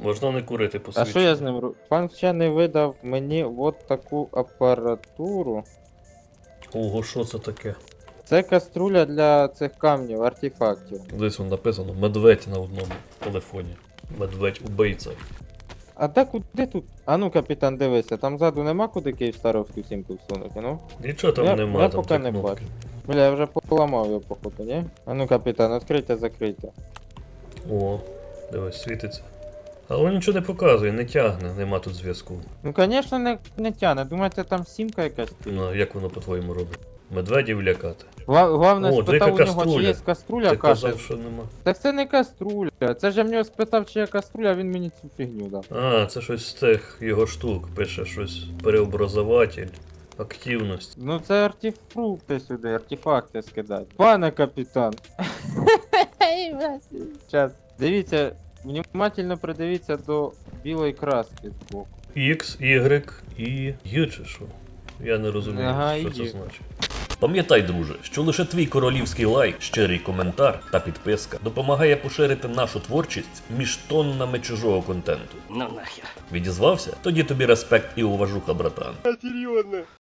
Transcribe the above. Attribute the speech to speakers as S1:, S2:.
S1: Можна не курити
S2: А
S1: посвідчення.
S2: що я з ним роблю? Пан вчений видав мені от таку апаратуру.
S1: Ого, що це таке?
S2: Це каструля для цих камнів, артефактів.
S1: Десь воно написано медведь на одному телефоні. Медведь убийця.
S2: А де куди тут? А ну, капітан, дивися, там ззаду нема куди Київстаровську сімку всунути, ну?
S1: Нічого там
S2: Я
S1: нема, там
S2: поки
S1: три
S2: не
S1: кнопки.
S2: бачу. Бля, я вже поламав його, походу, ні? А ну, капітан, відкрийте, закрийте.
S1: О, дивись, світиться. Але нічого не показує, не тягне, нема тут зв'язку.
S2: Ну, звісно, не тяне. Думаєте, там сімка якась?
S1: Ну, а як воно по-твоєму робить? Медведів лякати.
S2: Главне,
S1: О,
S2: спитав у
S1: яка
S2: нього, чи
S1: каструля.
S2: є каструля,
S1: Ти
S2: каже.
S1: казав, що нема.
S2: Так це не каструля. Це ж я в нього спитав, чи є каструля, а він мені цю фігню дав.
S1: А, це щось з тих його штук. Пише щось переобразователь, активність.
S2: Ну це артефрукти сюди, артефакти скидати. Пане капітан. Сейчас. Дивіться, внимательно придивіться до білої краски збоку.
S1: X, Y і Ю чи що? Я не розумію,
S2: Ага,
S1: що
S2: і
S1: це
S2: Ю.
S1: значить.
S3: Пам'ятай, друже, що лише твій королівський лайк, щирий коментар та підписка допомагає поширити нашу творчість між тоннами чужого контенту.
S4: Ну нахер.
S3: Відізвався? Тоді тобі респект і уважуха, братан.